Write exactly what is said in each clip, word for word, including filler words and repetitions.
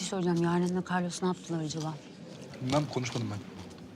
söyleyeceğim. Yaren'le Carlos ne yaptılar acaba? Bilmem, konuşmadım ben.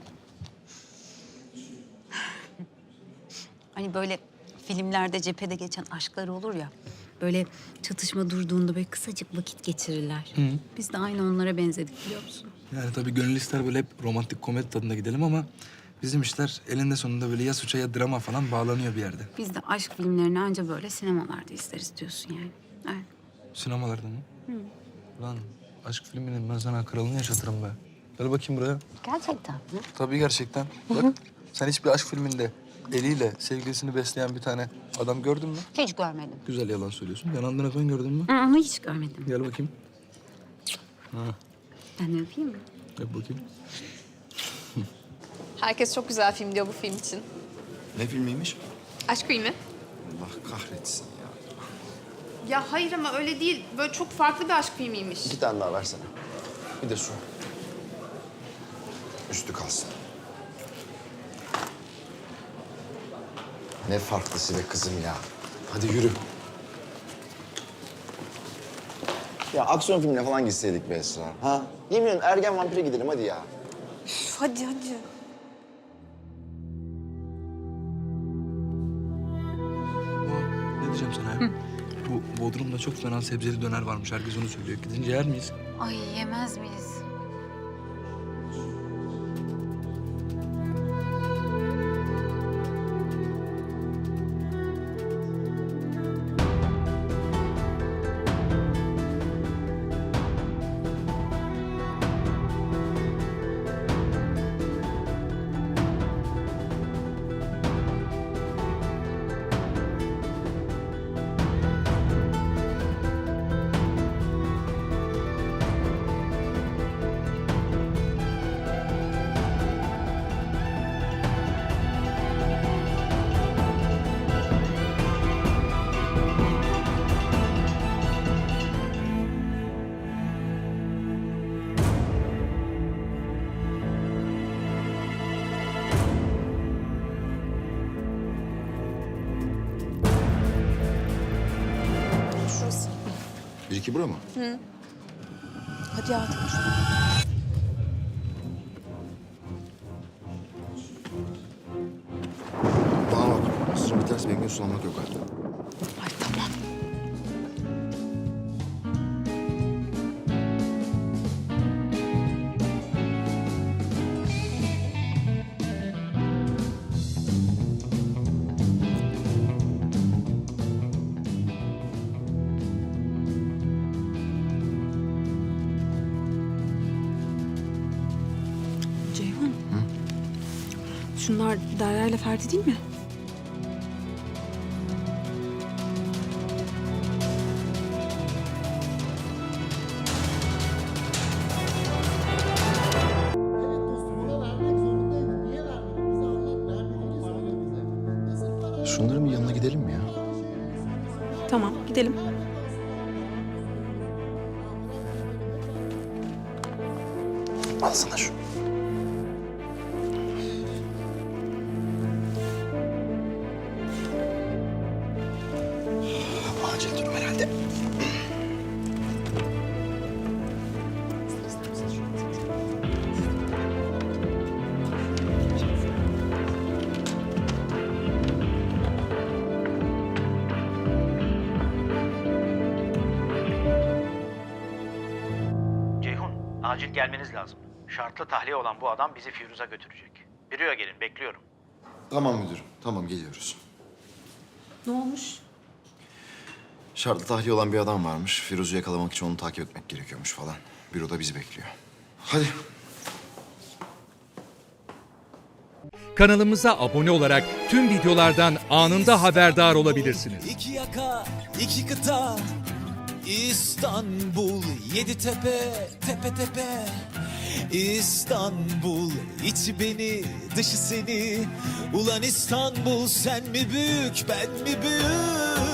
Hani böyle filmlerde cephede geçen aşkları olur ya. Böyle çatışma durduğunda böyle kısacık vakit geçirirler. Hı. Biz de aynı onlara benzedik biliyor musun? Yani tabii gönül ister böyle hep romantik komedi tadında gidelim ama... bizim işler elinde sonunda böyle ya suça ya drama falan bağlanıyor bir yerde. Biz de aşk filmlerini anca böyle sinemalarda izleriz diyorsun yani. Evet. Sinemalarda mı? Hı. Lan aşk filminin ben sana kralını yaşatırım be. Gel bakayım buraya. Gerçekten mi? Tabii gerçekten. Bak sen hiçbir aşk filminde eliyle sevgilisini besleyen bir tane adam gördün mü? Hiç görmedim. Güzel yalan söylüyorsun. Yanandığını falan gördün mü? Hı, Ama hiç görmedim. Gel bakayım. Ha, Ben de öpeyim mi? yap bakayım. Herkes çok güzel film diyor bu film için. Ne filmiymiş? Aşk filmi. Allah kahretsin ya. Ya hayır ama öyle değil. Böyle çok farklı bir aşk filmiymiş. İki tane daha versene. Bir de su. Üstü kalsın. Ne farklısı be kızım ya. Hadi yürü. Ya aksiyon filmine falan gitseydik be Esra. Ha? Yemin ediyorum ergen vampire gidelim hadi ya. Üf, hadi hadi. Aa, ne diyeceğim sana ya? Bu Bodrum'da çok fena sebzeli döner varmış. Herkes onu söylüyor. Gidince yer miyiz? Ay yemez miyiz? Şurası. Bir iki bura mı? Hadi hayatım. Bana bak. Sırrın biterse benimle sulanmak yok artık. Ay tamam. Ceyhun. Şunlar Derya ile Ferdi değil mi? Evet dostum ona vermek zorundaydın. Niye vermedin? Bize anlat. Vermediğini söyle bize. Nasıl karar Şunların bir yanına gidelim mi ya? Tamam, gidelim. Alsana şunu. Acil durum herhalde. Ceyhun, acil gelmeniz lazım. Şartlı tahliye olan bu adam bizi Firuz'a götürecek. Büroya gelin, bekliyorum. Tamam müdürüm. Tamam geliyoruz. Ne olmuş? Şartlı tahliye olan bir adam varmış. Firuz'u yakalamak için onu takip etmek gerekiyormuş falan. Büroda bizi bekliyor. Hadi. Kanalımıza abone olarak tüm videolardan anında haberdar olabilirsiniz. İki yaka, iki kıta, İstanbul, yedi tepe, tepe tepe. İstanbul, içi beni, dışı seni. Ulan İstanbul, sen mi büyük, ben mi büyük?